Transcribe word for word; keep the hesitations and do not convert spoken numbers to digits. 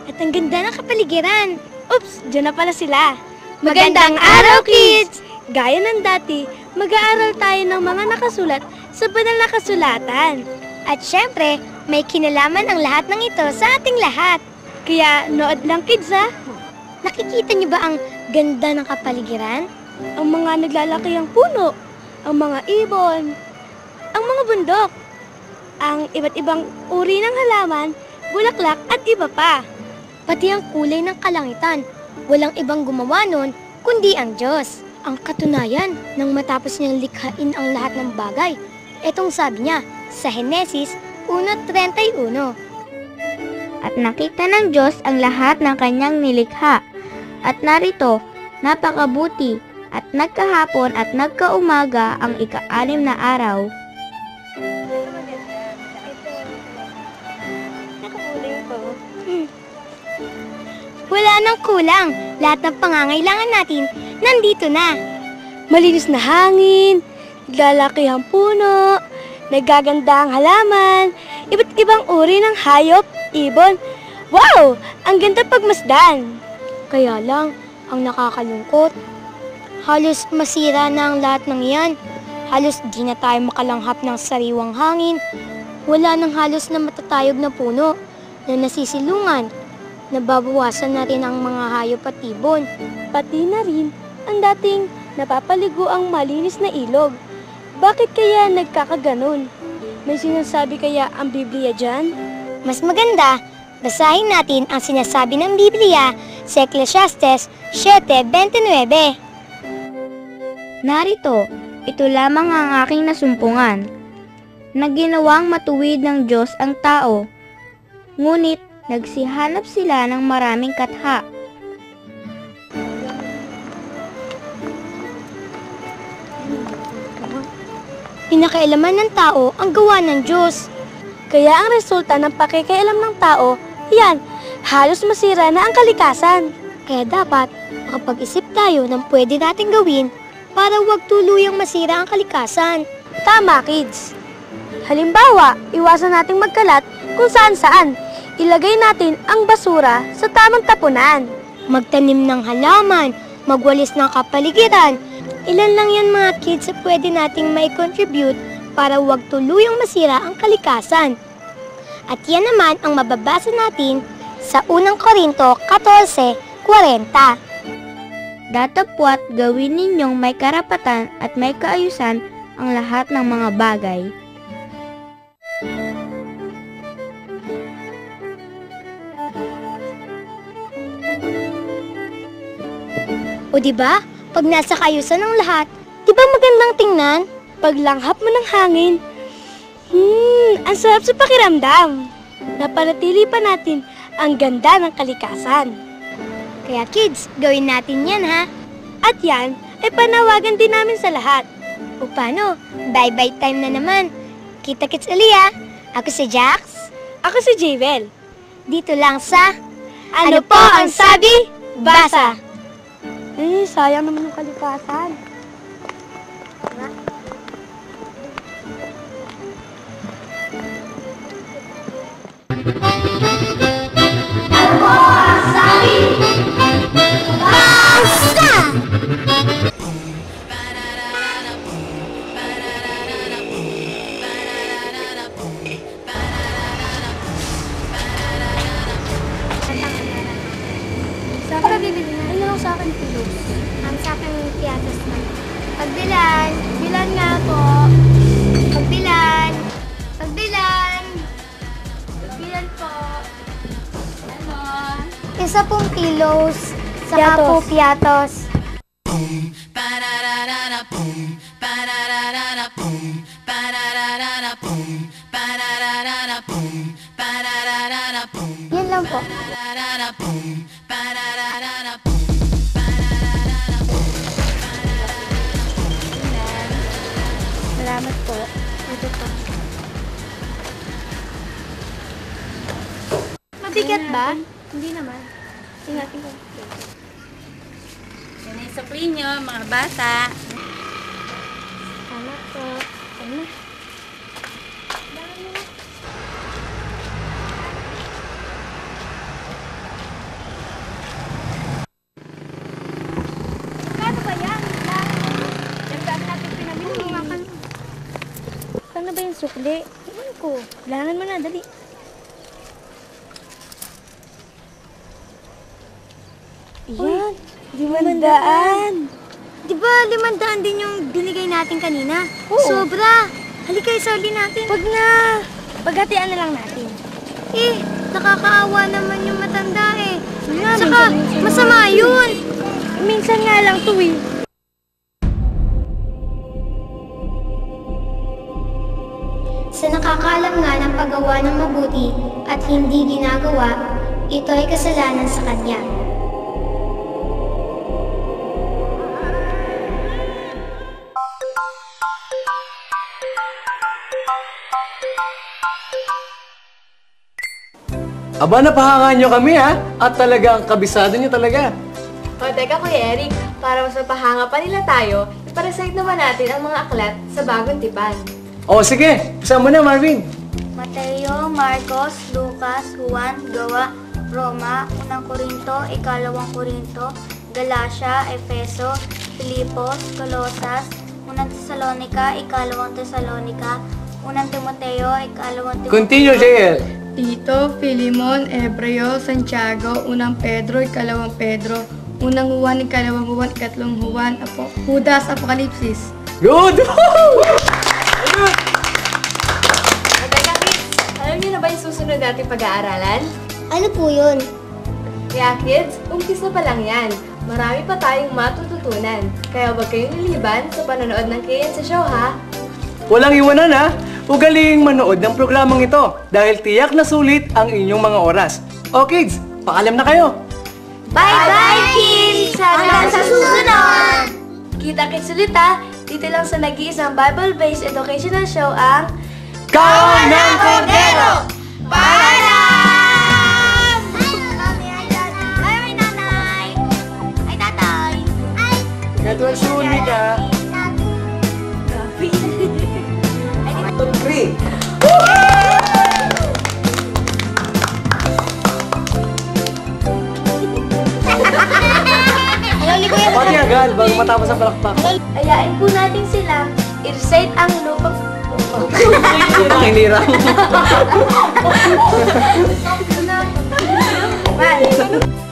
at ang ganda ng kapaligiran. Oops, dyan na pala sila. Magandang araw, kids! Gaya ng dati, mag-aaral tayo ng mga nakasulat sa banal na kasulatan. At syempre, may kinalaman ang lahat ng ito sa ating lahat. Kaya nood lang, kids, ha? Nakikita niyo ba ang ganda ng kapaligiran? Ang mga naglalakihang puno, ang mga ibon, ang mga bundok, ang iba't ibang uri ng halaman, bulaklak at iba pa. Pati ang kulay ng kalangitan, walang ibang gumawa nun kundi ang Diyos. Ang katunayan nang matapos niyang likhain ang lahat ng bagay. Etong sabi niya sa Henesis one thirty-one. At nakita ng Diyos ang lahat ng kanyang nilikha. At narito, napakabuti at nagkahapon at nagkaumaga ang ika-anim na araw. Wala nang kulang. Lahat ng pangangailangan natin nandito na. Malinis na hangin, naglalakihang puno, nagaganda ang halaman, iba't ibang uri ng hayop, ibon. Wow! Ang ganda pagmasdan! Kaya lang, ang nakakalungkot, halos masira na ang lahat ng iyan. Halos di na tayo makalanghap ng sariwang hangin. Wala nang halos na matatayog na puno na nasisilungan. Nababawasan natin ang mga hayop at ibon. Pati na rin ang dating napapaligo ang malinis na ilog. Bakit kaya nagkakaganon? May sinasabi kaya ang Biblia dyan? Mas maganda, basahin natin ang sinasabi ng Biblia sa Ecclesiastes seven twenty-nine. Narito, ito lamang ang aking nasumpungan, na ginawang matuwid ng Diyos ang tao, ngunit nagsihanap sila ng maraming katha. Pinakailaman ng tao ang gawa ng Diyos. Kaya ang resulta ng pakikialam ng tao, yan, halos masira na ang kalikasan. Kaya dapat makapag-isip tayo ng pwede nating gawin para huwag tuluyang masira ang kalikasan. Tama, kids. Halimbawa, iwasan nating magkalat kung saan-saan. Ilagay natin ang basura sa tamang tapunan. Magtanim ng halaman, magwalis ng kapaligiran. Ilan lang yan mga kids sa pwede nating may contribute para huwag tuluyang masira ang kalikasan. At yan naman ang mababasa natin sa unang Korinto fourteen forty. Datapwat gawin ninyong may karapatan at may kaayusan ang lahat ng mga bagay. O diba, pag nasa kaayusan ng lahat, diba magandang tingnan? Paglanghap mo ng hangin, hmm, ang sarap sa pakiramdam. Napanatili pa natin ang ganda ng kalikasan. Kaya kids, gawin natin yan ha. At yan ay panawagan din namin sa lahat. O paano? Bye-bye time na naman. Kita-kits uli ha. Ako si Jax. Ako si Javel. Dito lang sa Ano, ano po ang sabi? Basa! Eh, sayang naman yung kalikasan. Ano po ang sabi? Basa! Sa akin na bibili na. Ano lang sa akin kilo? Ang sa akin piatas na. Pagbilan. Bilan nga po. Pagbilan. Pagbilan. Bilan po. Ano? Isa pong kilos. Saka Piatos. po piatos. Yan lang po. Salamat po. Ito po. Mabigat ba? Hindi naman. Ingatin ko. Yan ang sukli nyo, mga bata. Salamat po. Ano? sukli? Iwan ko. Bilangan mo na, dali. Ayan, limandaan. Di ba limandaan din yung binigay natin kanina? Oo. Sobra. Halika, isali natin. Wag na. Paghatian na lang natin. Eh, nakakaawa naman yung matanda eh. Nga, Saka, minsan- minsan masama lang. yun. Minsan nga lang to eh. Sa nakakaalam nga ng paggawa ng mabuti at hindi ginagawa, ito ay kasalanan sa kanya. Aba, napahangan nyo kami ha? At talagang kabisado nyo talaga. O teka Kuya Eric, para mas mapahanga pa nila tayo, iparasite naman natin ang mga aklat sa bagong tipan. O sige, isa mo na Marvin. Mateo, Marcos, Lucas, Juan, Gawa, Roma, Unang Korinto, Ikalawang Korinto, Galacia, Efeso, Filipos, Colosas, Unang Tesalonica, Ikalawang Tesalonica, Unang Timoteo, Ikalawang Timoteo. Continue, J L. Tito, Filimon, Hebreo, Santiago, Unang Pedro, Ikalawang Pedro, Unang Juan, Ikalawang Juan, Ikatlong Juan, Apo, Judas, Apokalipsis. Good! O teka kids, alam niyo na ba yung susunod natin pag-aaralan? Ano po yun? Kaya kids, umpis na pa lang yan. Marami pa tayong matututunan. Kaya huwag kayong liliban sa panonood ng K N sa show ha. Walang iwanan ha? Ugaling manood ng programang ito dahil tiyak na sulit ang inyong mga oras. O kids, paalam na kayo! Bye-bye, kids! Hanggang sa susunod! Kita-kits ulit ha. Dito lang sa nag-iisang Bible-based educational show ang Kawan ng Kordero! Paalam! Ay, nanay! Ay, tatay! Get well soon, Mika! Three! Pati agad bago matapos ang palakpak. ayain po natin sila i-recite ang lupang Ang hinirang. One,